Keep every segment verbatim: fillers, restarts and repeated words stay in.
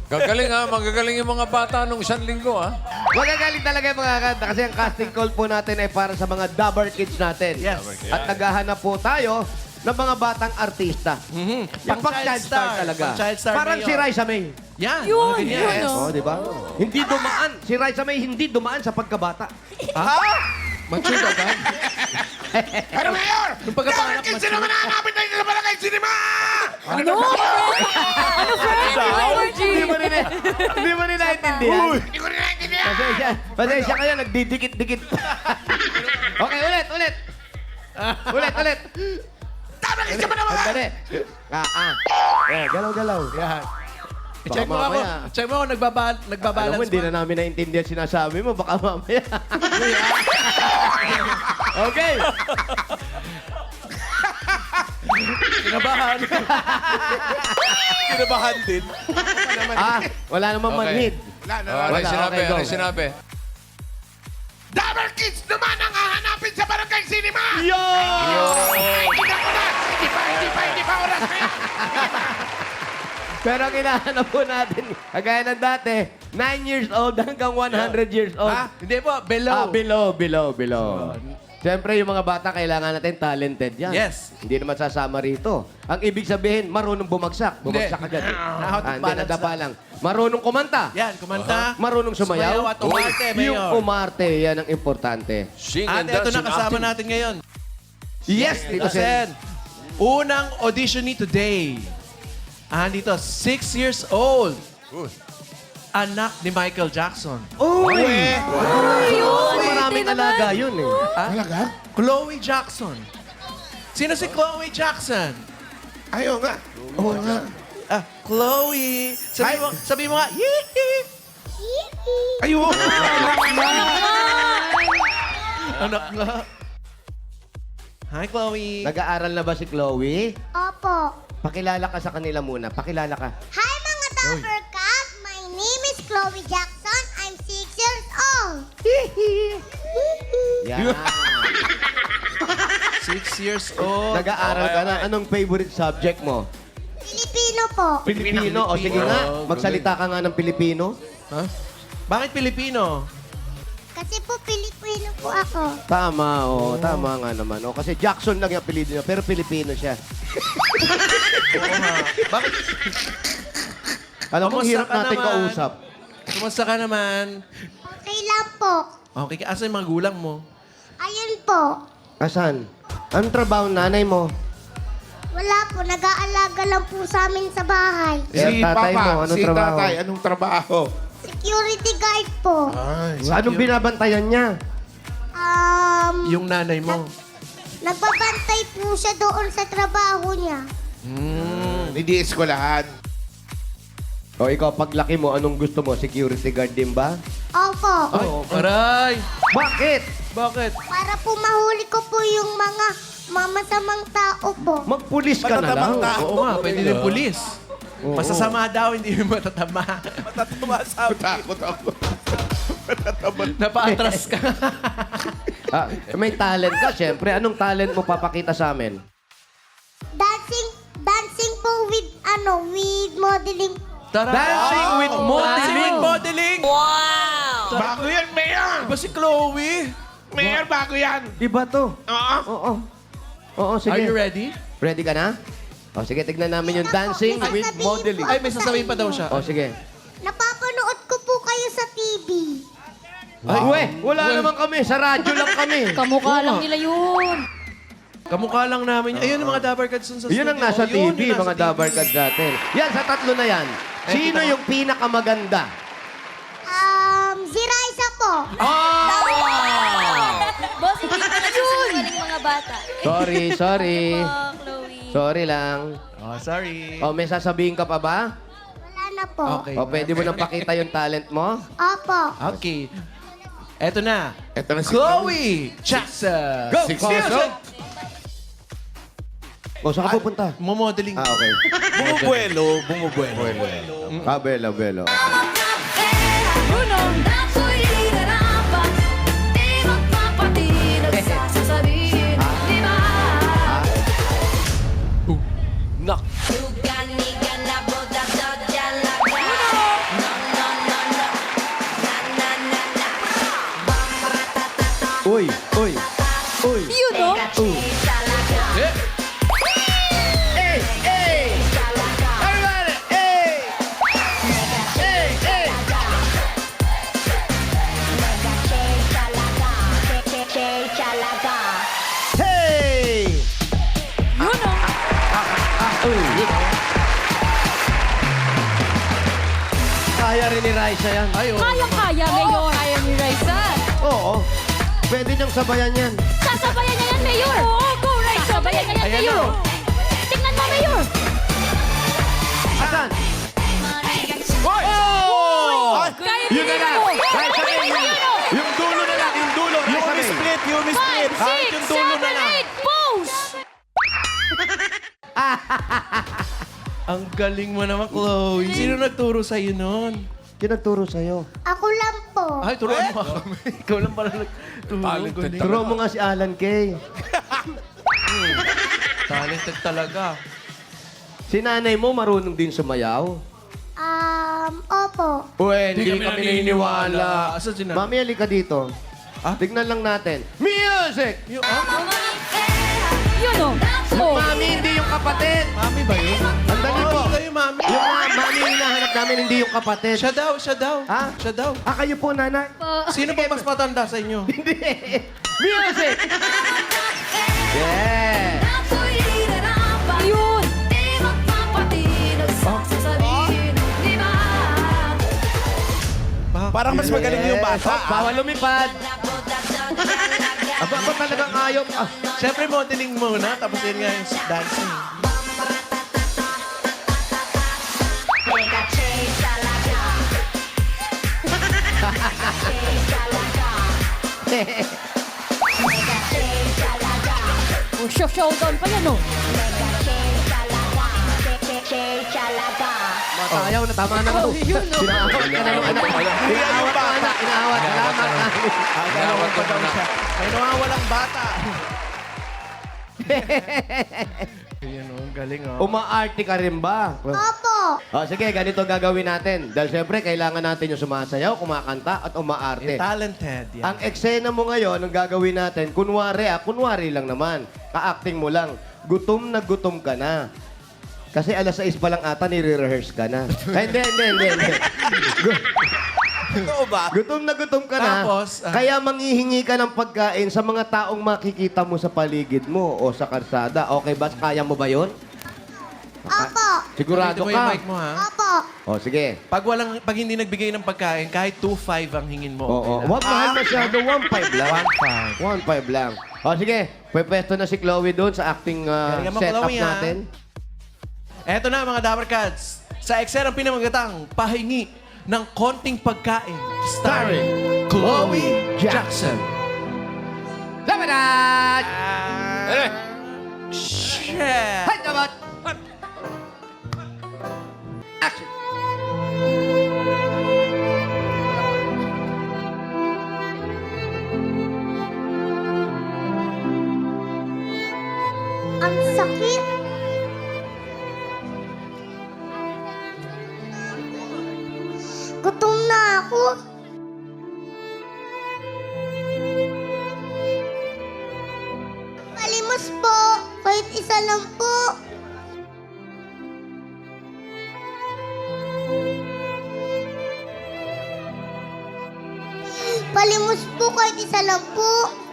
Gagaling ha, magagaling yung mga bata nung isang linggo ha. Magagaling talaga yung mga kanta kasi ang casting call po natin ay para sa mga Dabber Kids natin. Yes. At naghahanap po tayo ng mga batang artista. Mhm. Yung pang child star talaga. Pang child star Parang mayor. si Raisa May. Yan. Yun, mga ganyan. yun, oh. Oh, di ba? Hindi dumaan. Si Raisa May hindi dumaan sa pagkabata. Ha? Mature agad? Pero Mayor! Nung pagkapanganak, Dapat kasi naman hanapin tayo sa Barangay Cinema! Ano? Ano, friend? Hindi mo rin hindi mo rin naintindihan. Hindi ko rin naintindihan! Pasensya. Pasensya kayo, nagdidikit-dikit. Okay, ulit, ulit. Ulit, ulit. Dapat kasi naman naman! Sandali. Ah, ah. Eh, galaw-galaw. Yan. Baka Check mo ako. mamaya. Check mo ako. Nagbaba Alam mo, nagbabalance hindi pa. na namin naintindihan sinasabi mo. Baka mamaya. Okay. Kinabahan. Kinabahan din. Ah, wala namang Okay. manhid. Wala na. Oh, ano Wala, yung sinabi? okay, go. Ano yung sinabi? Dabber Kids naman ang hahanapin sa Barangay Cinema! Yo! Ay, hindi na ko na! Hindi pa, hindi pa, hindi pa oras na yan! Pero ang hinahanap po natin, kagaya ng dati, nine years old hanggang one hundred years old. Ha? Hindi po. Below. Ah, below, below, below. Siyempre, yung mga bata, kailangan natin talented yan. Yes. Hindi naman sasama rito. Ang ibig sabihin, marunong bumagsak. Bumagsak Hindi. agad. Out of Ah, hindi, balance nadapa na. lang. Marunong kumanta. Yan. Kumanta. Marunong sumayaw. Sumayaw at umarte, Yung Mayor. umarte, yan ang importante. Sing At and ito dance na and kasama acting. natin ngayon. Yes, Tito Sen. Sen. Unang audition ni today. Ah, dito, six years old. Anak ni Michael Jackson. Uy! Yun, Maraming hindi naman. alaga yun eh. Ah? Talaga? Chloe Jackson. Sino si Chloe Jackson? Ayaw nga. Oo nga. Ah, Chloe. Sabi Hi. mo, sabi mo nga, yee Ayaw! Anak nga. Hi, Chloe. Nag-aaral na ba si Chloe? Opo. Pakilala ka sa kanila muna. Pakilala ka. Hi mga Dapper Cats! My name is Chloe Jackson. I'm six years old. Yan. Six years old. Nag-aaral ka na. Anong favorite subject mo? Filipino po. Pilipino. O sige Pilipino. nga, Oh, magsalita ka nga ng Pilipino. Ha? Bakit Pilipino? Kasi po Pilipino po ako. Tama, o. Tama nga naman. O, kasi Jackson lang yung apelido niya, pero Pilipino siya. Oo nga. Bakit? Alam mo, Kamusta hirap ka natin naman? kausap. Kumusta ka naman? Okay lang po. Okay, asa yung mga gulang mo? Ayun po. Asan? Anong trabaho ng nanay mo? Wala po. Nag-aalaga lang po sa amin sa bahay. Si tatay mo, anong si trabaho? tatay, anong trabaho? Security guard po. Ay, Anong binabantayan niya? Um, Yung nanay mo. nagbabantay po siya doon sa trabaho niya. Hmm. hindi eskwelahan. O ikaw, paglaki mo, anong gusto mo? Security guard din ba? Opo. Ay, aray! Bakit? Bakit? Para po mahuli ko po yung mga mamasamang tao po. Magpulis ka na lang. Oo nga, pwede din pulis. Oo. Masasama daw, hindi mo matatama. matatama sabi. Takot ako. Napa-atras ka. Ah, may talent ka, syempre. Anong talent mo papakita sa amin? Dancing, dancing po with, ano, with modeling. Tara. Dancing with Dancing modeling. with modeling. Wow! Bago yan, Mayor! Ba si Chloe? Mayor, bago yan! Iba to. Oo. Oo. Oo, sige. Are you ready? Ready ka na? O sige, tignan namin yung dancing May with sasabihin modeling. po Ay, may sasabihin pa daw siya. O sige. Napapanood ko po kayo sa T V. Ay, we, wala naman kami. Sa radyo lang kami. Kamukha lang nila yun. Kamukha lang namin. Ayun ang mga Dabber Cats dun sa Yun ang studio. nasa Oh, T yun, V, yung nasa mga T V. Dabber Cats natin. Yan, sa tatlo na yan. Ay, Sino kita mo. yung pinakamaganda? Um, si Raisa po. Boss, hindi pa nagsisinungaling mga bata. Sorry, sorry. Oh, Chloe. Sorry lang. Oh, sorry. O, may sasabihin ka pa ba? Wala na po. Okay. O, pwede mo nang pakita yung talent mo? Opo. Okay. Eto na. Ito na si Chloe Jackson. Go! Six Go! years Go! old. O, saan ka pupunta? Momodeling. Ah, okay. Bumubuelo, bumubuelo. Ah, belo, belo. Bruno. Ako'y hinarapan, di magpapatid at sasabihin, di ba? Nak. Tugan-igan na boda-dodya lang. Uy. Uy. Yun, no? Uy. Eh, Hey! Hey! Everybody! Hey! Hey! Hey! Hey! Yun, no? Uy. Kaya rin ni Raisa yan. ay, oh. Kayang-kaya, Mayor. Kaya ni Raisa. Oo. Pwede niyang sabayan yan. Sasabayan niya yan, Mayor. Oo, go, Raisa. Sabayan niya yan, Ayan Mayor. na. Tingnan mo, Mayor. Asan? Oh! Kaya Yun na lang. mo. Raisa May. Yun, Yung, oh. yung dulo na lang. Yung dulo. Raisa May. Yumi Five, Kahit six, yung dulo na seven, lang. eight, pose! Ang galing mo naman, Chloe. Sino nagturo sa'yo nun? Sino nagturo sa'yo? Ako lang po. Ay, turuan mo ako. Ikaw lang pala nagturo. Talented Galing. Turo mo nga si Alan Kay. Talented talaga. Si nanay mo marunong din sumayaw. Um, opo. Uwe, Hindi hindi kami kami naniniwala. naniniwala. Asan si nanay? Mami, halika dito. Ah? Tignan lang natin. Music! Yung, ah, Yun, oh. Yung Oh. mami, hindi yung kapatid. mami ba yun? Andali Oo, po. ikaw yung mami. Yung ma- mami yung hinahanap namin, hindi yung kapatid. Siya daw, siya daw. Ha? Siya daw. Ah, kayo po, nanay? Sino ba mas matanda sa inyo? Hindi. Music! Yeah! Yun. Parang mas magaling yung Yes. bata. Oh, bawal lumipad. Aba, ba talagang ayaw? Ah, Siyempre, modeling muna, tapos yun nga yung dancing. Oh, show showdown pa yan, oh. matayaw na, tama na ako. Sinaawat ka na yung anak. Sinaawat ka na, inaawat. Salamat na. Agawin pa daw siya. May nawawalang bata. Ayan o, galing o. Umaarte ka rin ba? Opo. Oh, sige, ganito gagawin natin. Dahil siyempre, kailangan natin yung sumasayaw, kumakanta, at umaarte. Talented. Yan. Ang eksena mo ngayon, ang gagawin natin, kunwari ah, kunwari lang naman. Ka-acting mo lang. Gutom na gutom ka na. Kasi alas sais pa lang ata, nire-rehearse ka na. Ay, hindi, hindi, hindi, hindi. Gu- Totoo ba? Gutom na gutom ka na. Tapos, ah, kaya manghihingi ka ng pagkain sa mga taong makikita mo sa paligid mo o sa karsada. Okay ba? Kaya mo ba yun? Opo. Sigurado Dito mo yung ka? mic mo, ha? Opo. O, sige. Pag walang, pag hindi nagbigay ng pagkain, kahit two five ang hingin mo. Oo, okay lang. wag mahal masyado. one five lang. one five. one five lang. O, sige. Pwesto na si Chloe doon sa acting uh, Galingan mo, setup Chloe, ha? natin. Eto na mga Dapper Cats. Sa ekserang pinamagatang pahingi ng konting pagkain. Starring Chloe Jackson. Labanan! Eh, Shit! Hay, dapat! Action! Ang sakit. Gutom na ako. Palimos po. Kahit isa lang po. Palimos po kahit isa lang po.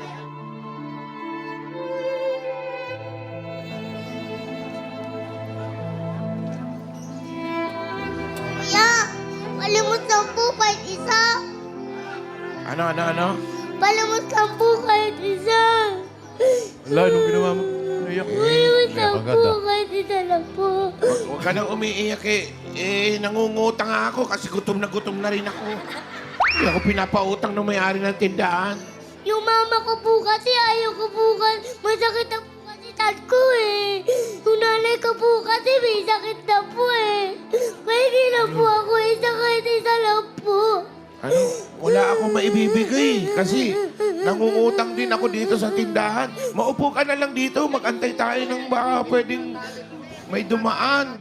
Kuya, palimos lang po kahit isa. Ano, ano, ano? Palimos lang po kahit isa. Wala, anong ginawa mo? Naiyak. Palimos lang agad, po ah. kahit isa lang po. Huwag ka nang umiiyak eh. Eh, nangungutang nga ako kasi gutom na gutom na rin ako. Hindi ako pinapautang ng may-ari ng tindahan. Yung mama ko po kasi ayaw ko po kasi masakit na po kasi tad ko eh. Yung nanay ko po kasi may sakit na po eh. Kaya hindi na po ako isa kahit isa lang po. Ano? Wala akong maibibigay kasi nangungutang din ako dito sa tindahan. Maupo ka na lang dito, mag-antay tayo ng baka pwedeng may dumaan.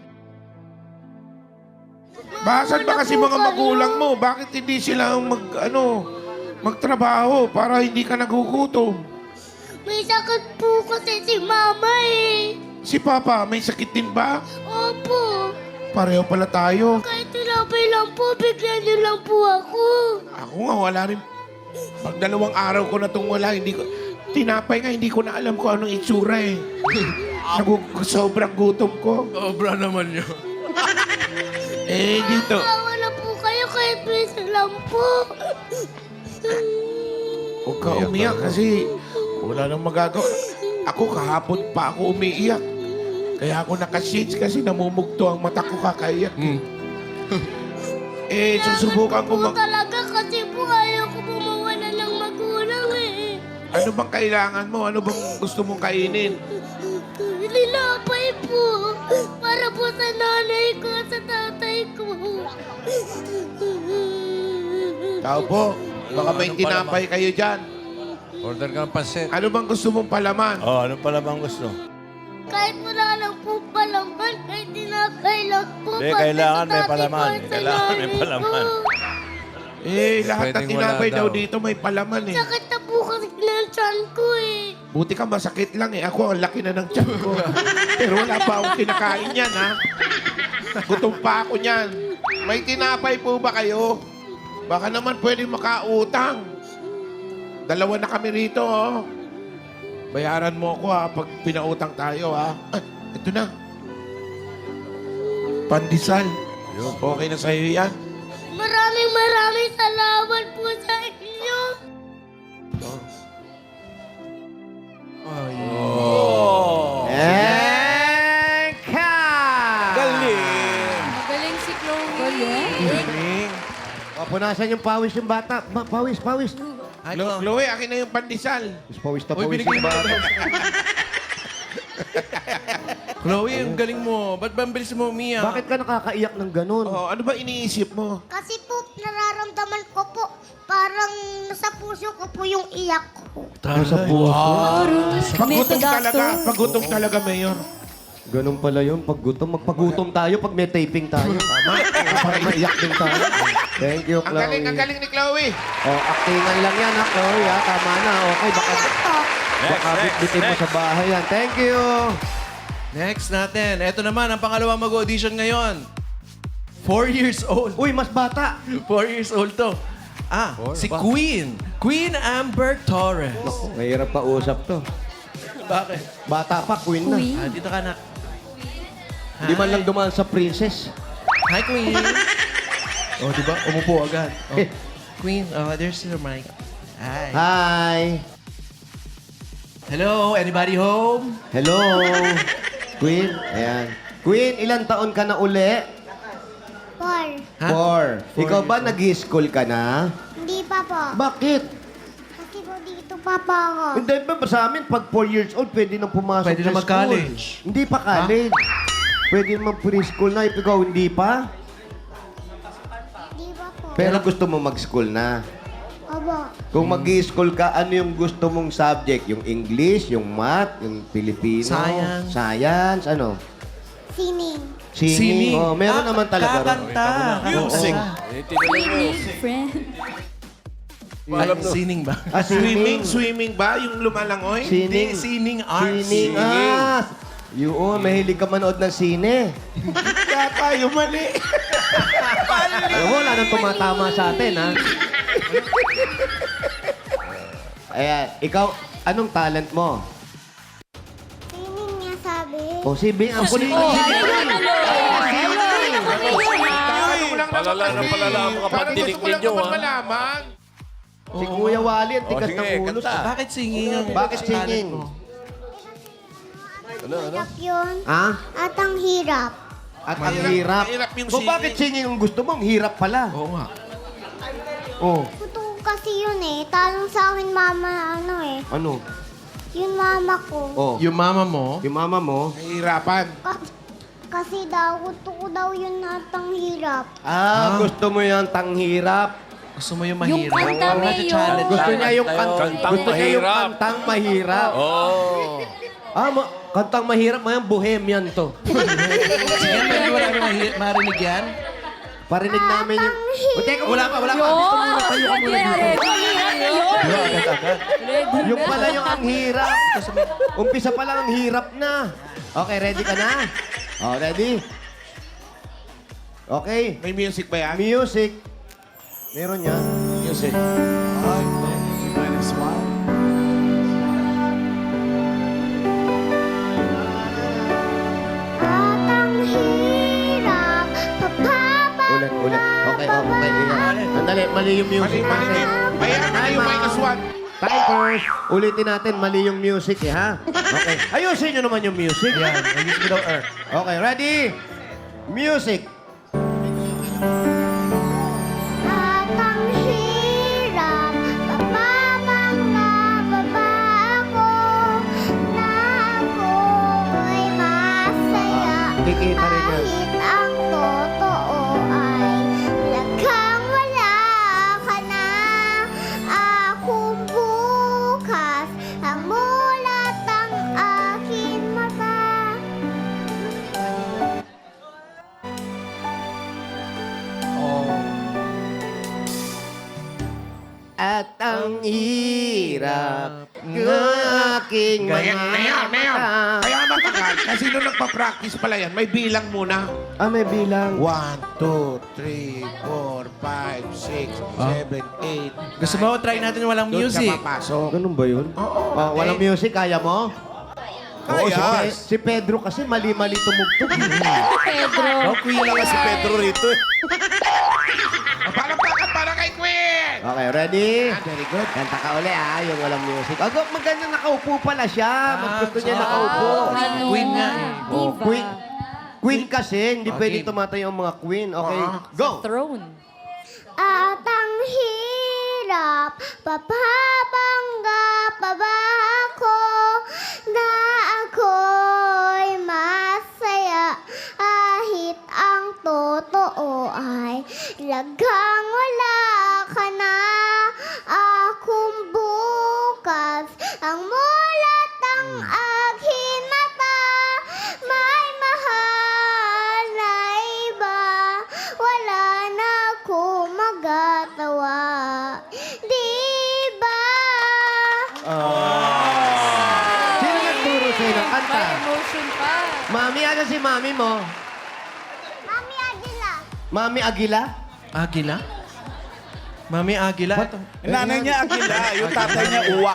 Basan ba kasi mga magulang mo? Bakit hindi sila mag, ano, magtrabaho para hindi ka nagugutom? May sakit po kasi si Mama eh. Si Papa, may sakit din ba? Opo. Pareho pala tayo. Kahit tinapay lang po, bigyan niyo lang po ako. Ako nga, wala rin. Pag dalawang araw ko na itong wala, hindi ko... Tinapay nga, hindi ko na alam kung anong itsura eh. Nagu- sobrang gutom ko. Obra naman yun. Eh, dito. Tawa na po kayo kahit minsan lang po. Huwag ka umiyak kasi wala nang magagawa. Ako kahapon pa ako umiiyak. Kaya ako naka-shades kasi namumugto ang mata ko kakaiyak. eh, susubukan ko Po mag... talaga kasi po ayaw ko po mawala ng magulang eh. Ano bang kailangan mo? Ano bang gusto mong kainin? Linapay po. Para po sa nanay ko at sa tatay ko. Tao po, baka may tinapay kayo dyan. Order ka ng pansit. Ano bang gusto mong palaman? Oh, ano pala bang gusto? Kahit wala lang po palaman, kahit tinapay lang po. Hindi, para kailangan sa may tatay palaman. ko at sa Kailangan may nanay palaman. ko. Eh, lahat ng Pwedeng wala tinapay daw daw. dito may palaman eh. Sakit na po kasi ng tiyan ko eh. Buti ka masakit lang eh. Ako, ang laki na ng tiyan ko. Pero wala pa akong kinakain yan, ha? Gutom pa ako niyan. May tinapay po ba kayo? Baka naman pwede makautang. Dalawa na kami rito, oh. Bayaran mo ako, ha, pag pinautang tayo, ha? Ah, ito na. Pandesal. Okay na sa'yo yan? Maraming maraming salamat po sa inyo. Eka! Galing! Magaling si Chloe. Papunasan yung pawis yung bata. Ma, pawis, pawis. Ay, Chlo- Chloe. Chloe, akin na yung pandesal. Mas pawis na Uy, pawis binigay yung mo. bata. Chloe, ang galing mo. Ba't ba ang bilis mo umiyak? Bakit ka nakakaiyak ng ganun? Oh, ano ba iniisip mo? Kasi po, nararamdaman ko po, parang nasa puso ko po yung iyak ko. Nasa puso. Pagutom talaga. Pagutom talaga, Mayor. Ganun pala yun. Pag gutom, magpagutom tayo pag may taping tayo. Tama. Para maiyak din tayo. Thank you, Ang Chloe. galing, ang galing ni Chloe. Oh, actingan lang yan, ha, Chloe, ha? Tama na. Okay, baka, Ito, baka bitbitin mo sa bahay yan. Thank you. Next natin. Ito naman, ang pangalawang mag-audition ngayon. Four years old. Uy, mas bata. Four years old to. Ah, si Queen. Queen Amber Torres. Mahirap pa usap to. Bakit? Bata pa, queen na. Queen. Ah, dito ka na. Hindi man lang dumaan sa princess. Hi, Queen. oh, di ba? Umupo agad. Oh. Queen, oh, there's your mic. Hi. Hi. Hello, anybody home? Hello. Queen. Ayan. Queen, ilang taon ka na uli? Paul. Ha? Four. Four Ikaw ba years old. nag-school ka na? Hindi pa po. Bakit? Kasi po dito pa pa ako. Hindi ba sa amin, pag four years old, pwede nang pumasok Pwede sa na mag-college. school. Hindi pa college. Pwede naman preschool na. Ikaw, hindi pa? Hindi pa po. Pero gusto mo mag-school na. Aba, Kung mag-school ka, ano yung gusto mong subject? Yung English, yung math, yung Filipino? Science. Science, ano? sining. Singing. Oh, meron Ah, naman talaga ron. Kakanta. Music. Swimming, friend. Ay, sining ba? Ah, Swimming, swimming ba? Yung lumalangoy? Sining. Hindi, sining arts. Sining. Ah! Yun, mahilig ka manood ng sine. Kaya tayo mali. Alam mo, wala nang tumatama sa atin, ha? Ayan, ikaw, anong talent mo? Sining niya sabi. O, si Bing, ang kulit mo. Oh, ayun, ano? Ayun, Tanong lang Palala naman na kasi. palala ang mga Parang pandinig gusto ko lang ninyo, naman ah. malaman. Si Kuya Wally, ang tigas sige, ng ulo. kanta. Bakit singing ang Bakit talent singing? mo? Hirap yun. Ha? At ang hirap. At ang Mahirap- hirap. mahirap yung Kung singing. bakit singing ang gusto mo, ang hirap pala. Oo nga. Oh, Gusto ko kasi yun eh. Talong sa akin mama ano eh. ano? Yung mama ko. Oh, Yung mama mo, yung mama mo. Nahihirapan. Ka- kasi daw, gusto ko daw yun at ang hirap. Ah, gusto mo yung tanghirap. gusto mo yung Yung mahirap. kanta, Oo, Mayor. challenge. Gusto niya yung kan Kantang gusto niya yung mahirap. kantang mahirap. Oh. Ah, ma- kantang mahirap, mayang bohemian to. Sige, pwede wala namin mahi- marinig yan? Parinig namin yung... O, teka, wala pa, wala pa. Yun! Gusto mo na tayo Sige, muna dito. Alex. Yun! Agad-agad. Ready Yung na. pala yung ang hirap. Umpisa pa lang ang hirap na. Okay, ready ka na? Oh, ready? Okay. May music ba yan? Music. Meron yan. Music. At ang hirap, papapa. Ulit, ulit. Okay, oh, okay. Ingat. Andali, mali yung Mali, music. mali, mali. Ayan, mali yung minus one. Timers. Ulitin natin, mali yung music eh, ha? Okay. Ayusin nyo naman yung music. Yan, ayos mo daw, Earth. Okay, ready? Music. At ang hirap, papapang nababa ako na ako'y masaya. Kikita rin yan. Kahit ang totoo ay laghang wala ka na. Akong bukas ang mulat ang aking mata. At ang hirap ng aking Mayor, mga mayor, mayor. mata. Kaya matagal. Kasi nung nagpa-practice pala yan, may bilang muna. Ah, may bilang. One, two, three, four, five, six, seven, eight, Gusto mo, try natin walang Doon music. siya papasok. Ganun ba yun? Oo. Ah, walang music, kaya mo? Oo, si, Kaya. Pe- si Pedro kasi mali-mali tumugtog. Pedro. Oh, Queen. Wala si Pedro rito eh. Palakpakan para kay Queen! Okay, ready? Very good. Kanta ka uli ah, yung walang music. Ako, maganda nakaupo pala siya. Mas gusto niya Ah, nakaupo. Ano Queen na, nga eh. Oh, Diva. queen. Queen kasi, hindi Okay. pwedeng tumatayo ang mga queen. Okay, Ah. go! Throne. At ang hirap, papabangga pa ba ako na ako'y masaya kahit ang totoo ay laghang wala ka na. Akong bukas ang mulat ang aking mata. May mahal na iba, wala na ako magatawa. Di ba? Sino nagturo sa'yo ng kanta? May emotion pa. Mami, ano si mami mo? Mami Adila. Mami Aguila? Agila? Mami Agila. Ito. Yung nanay niya Agila, yung tatay niya Uwak.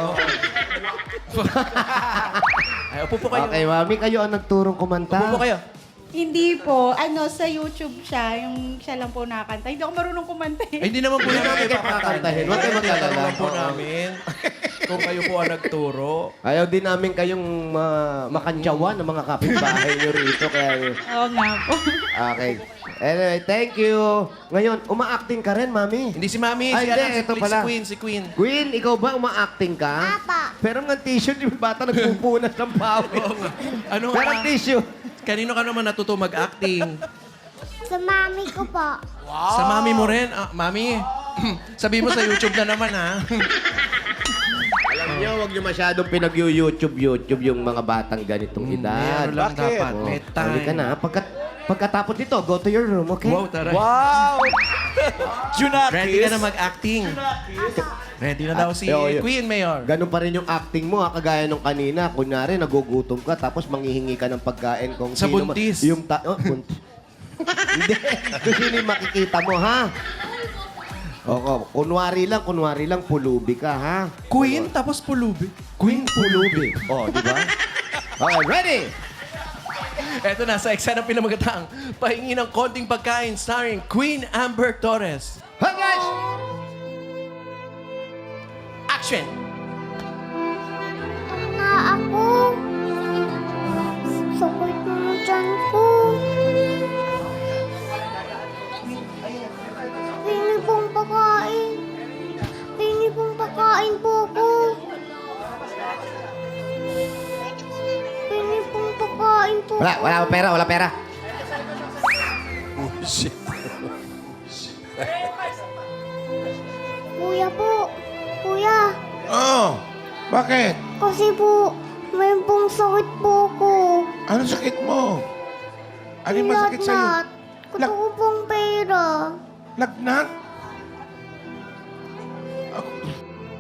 Ay, upo po kayo. Okay, mami, kayo ang nagturong kumanta. Upo po kayo. Hindi po. Ano, sa YouTube siya. Yung siya lang po nakakanta. Hindi ako marunong kumanta Ay, eh. hindi naman po Hindi namin namin kayo pakakantahin. Huwag kayo mag-alala. Tinanong po Oo. namin kung kayo po ang nagturo. Ayaw din namin kayong ma- makantyawan ng mga kapitbahay nyo rito. Kaya, Oo nga po. okay. Anyway, thank you. Ngayon, uma-acting ka rin, mami. Hindi si Mami, Ay, si, hindi, ano, si, ito si pala. Queen, si Queen. Queen, ikaw ba uma-acting ka? Apa. Pero ng t-shirt, yung bata nagpupunas ng pawis. Ano Pero nga? tissue. Kanino ka naman natuto mag-acting? Sa mami ko po. Sa mami mo rin? Ah, mami, sabi mo sa YouTube na naman, ha? Alam niyo, huwag niyo masyadong pinag-YouTube-YouTube yung mga batang ganitong edad. Meron lang Bakit? dapat. Oh, May time. halika na. Pagkat, pagkatapos dito, go to your room, okay? Wow, tara. Wow! Junakis. Ready ka na mag-acting? Ready na daw si Ah, yo, yo. Queen, Mayor. Ganun pa rin yung acting mo, ha? Kagaya nung kanina. Kunyari, nagugutom ka, tapos manghihingi ka ng pagkain kung Sa sino ma- buntis. Yung ta- oh, buntis. Hindi. Kung sino yung makikita mo, ha? Oo, kunwari lang, kunwari lang, pulubi ka, ha? Queen, tapos pulubi. Queen Pulubi. Oh, di ba? Okay, ready? Eto na, sa eksena pinamagatang pahingi ng konting pagkain starring Queen Amber Torres. Hi, guys! Action! Na ako. Sakit na dyan ko. Pingi pong pagkain. Pingi pong pagkain po ko. Pingi pong pagkain po Wala, ko. wala akong pera, wala pera. Kuya po. Kuya. Oh, bakit? Kasi po, may pong sakit po ko. Ano sakit mo? Ano yung masakit sa'yo? Lagnat. Gusto ko pong pera. Lagnat?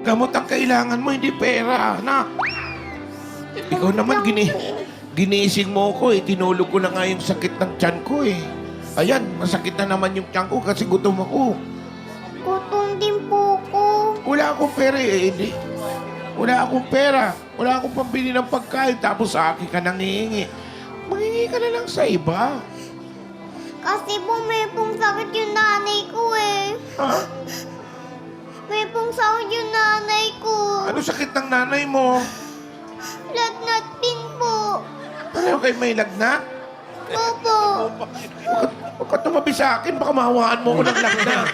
Gamot ang kailangan mo, hindi pera, anak. Ikaw naman, gini, ginising mo ko eh. Tinulog ko na nga yung sakit ng tiyan ko eh. Ayan, masakit na naman yung tiyan ko kasi gutom ako. Gutom din po ko. Wala akong pera eh, hindi. Wala akong pera. Wala akong pambili ng pagkain. Tapos sa akin ka nangihingi. Mangingi ka na lang sa iba. Kasi po may pong sakit yung nanay ko eh. Ha? May pong sakit yung nanay ko. Ano sakit ng nanay mo? Lagnat din po. Pareho kayo may lagnat? Opo. Huwag ka- Huwag ka tumabi sa akin. Baka mahawaan mo ko ng lagnat.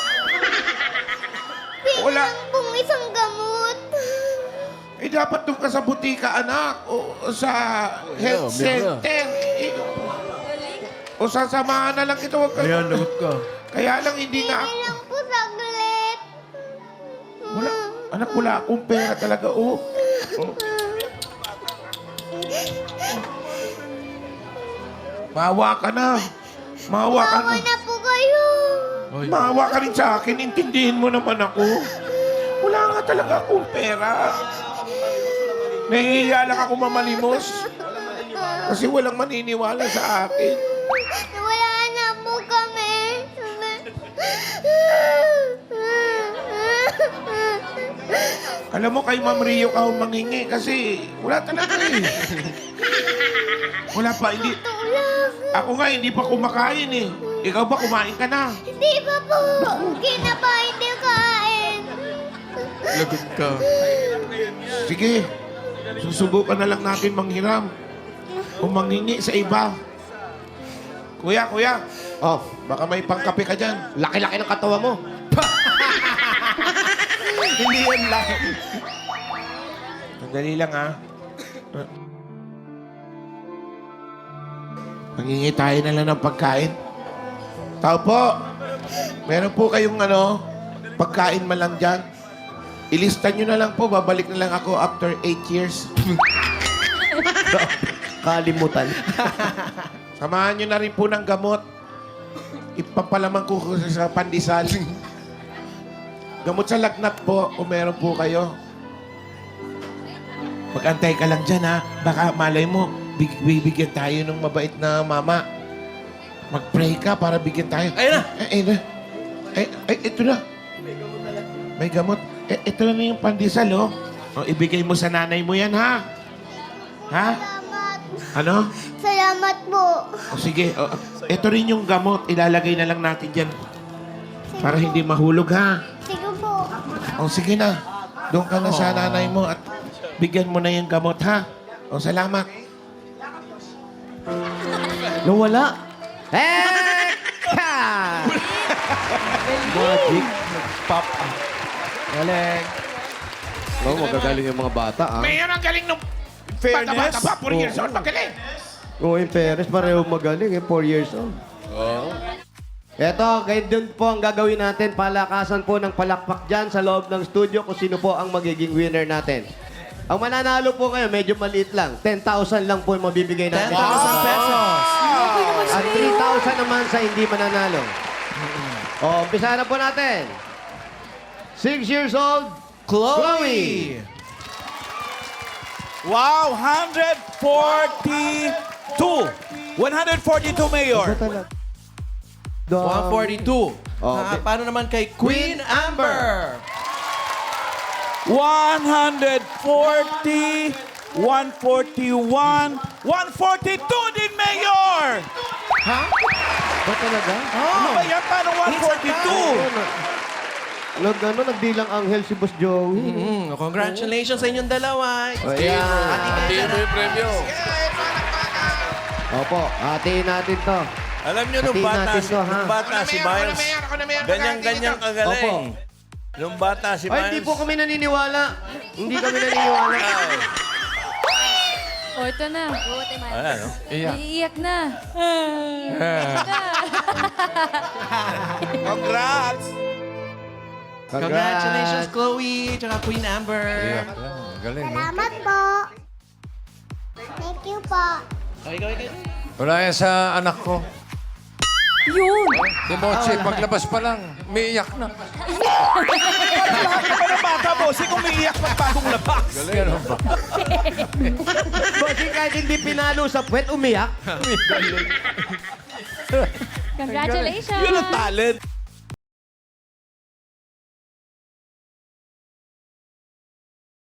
Wala. Pinang pong isang gamot. Eh, dapat doon ka sa butika, anak. O, o sa health Meron, meron. center. Eh, o sasamahan na lang ito. Huwag ka. Ayan, lagot ka. Kaya lang hindi nga Hindi lang po saglit. Wala. Anak, wala akong pera talaga, oh. oh. Maawa ka na. Maawa ka Bawa na. na po kayo. Maawa ka rin sa akin. Intindihin mo naman ako. Wala nga talaga akong pera. Nahihiya lang ako mamalimos. Kasi walang maniniwala sa akin. Wala na po kami. Alam mo, kay Ma'am Rio ka humangingi kasi wala talaga eh. Wala pa, hindi. Tulog. Ako nga, hindi pa kumakain eh. Ikaw ba, kumain ka na? Hindi pa po. Kinapa hindi kain. Lagot ka. Sige, susubukan na lang natin manghiram. Humangingi sa iba. Kuya, kuya, Oh, baka may pangkape ka dyan. laki-laki ng katawa mo. Hindi yan lang. Sandali lang, ha? Mangingi tayo na lang ng pagkain. Tao po, meron po kayong ano, pagkain man lang dyan. Ilista nyo na lang po, babalik na lang ako after eight years. Kalimutan. Samahan nyo na rin po ng gamot. Ipapalaman ko ko sa pandesal. Gamot sa lagnat po, kung meron po kayo. Mag-antay ka lang dyan, ha? Baka malay mo, big- bibigyan tayo ng mabait na mama. Mag-pray ka para bigyan tayo. Ayun na! Ay, ayun na. Ay, ay, ito na. May gamot. Eh, ito na yung pandesal, oh. O, ibigay mo sa nanay mo yan, ha? Ha? Salamat. Ano? Salamat po. O sige, o, ito rin yung gamot. Ilalagay na lang natin dyan. Para hindi mahulog, ha? Sige po. O sige na. Doon ka na sa nanay mo at bigyan mo na yung gamot, ha? O salamat. Nawala. Eka! Magic. Pop up. Galing. Oh, magagaling yung mga bata, ah. Mayor, ang galing nung Fairness. bata-bata pa. Four years old, magaling. Oo, yung Perez, pareho magaling, eh. Four years old. Oo. Eto, kayo dun po ang gagawin natin. Palakasan po ng palakpak dyan sa loob ng studio kung sino po ang magiging winner natin. Ang mananalo po kayo, medyo maliit lang. ten thousand lang po yung mabibigay ten natin. thousand pesos. At three thousand naman sa hindi mananalo. O, umpisa na po natin. Six years old, Chloe. Wow, one forty-two. one forty-two, Mayor. one forty-two. Oh, Ah, okay. paano naman kay Queen Amber? one forty, one forty-one, one forty-two din, Mayor! Ba talaga? Ano ba yan? Paano one forty-two? Nag, ano, nagbilang anghel si Boss Joey. Mm, congratulations sa inyong dalawa. Ayan. Hatiin mo yung premyo. Opo, hatiin natin to. Alam nyo, nung Hatiin bata, natin si, to, ha? nung bata si Miles, ganyan-ganyan kagaling. Nung bata si Ay, hindi Miles, po kami naniniwala. Hindi kami naniniwala. O, ito na. ayan, no? Iyak. Naiiyak na. Congrats! Congratulations, Chloe, tsaka Queen Amber. Iyak lang. Galing, no? Salamat po. Thank you po. Okay, okay, okay. Wala yan sa anak ko. Yun. Si Mochi, paglabas pa lang, umiiyak na. Bakit pa ng bata, bossing, umiiyak pa bagong labas? Ganun ba? Bossing, kahit hindi pinalo sa puwet, umiyak. Congratulations. Yun ang talent.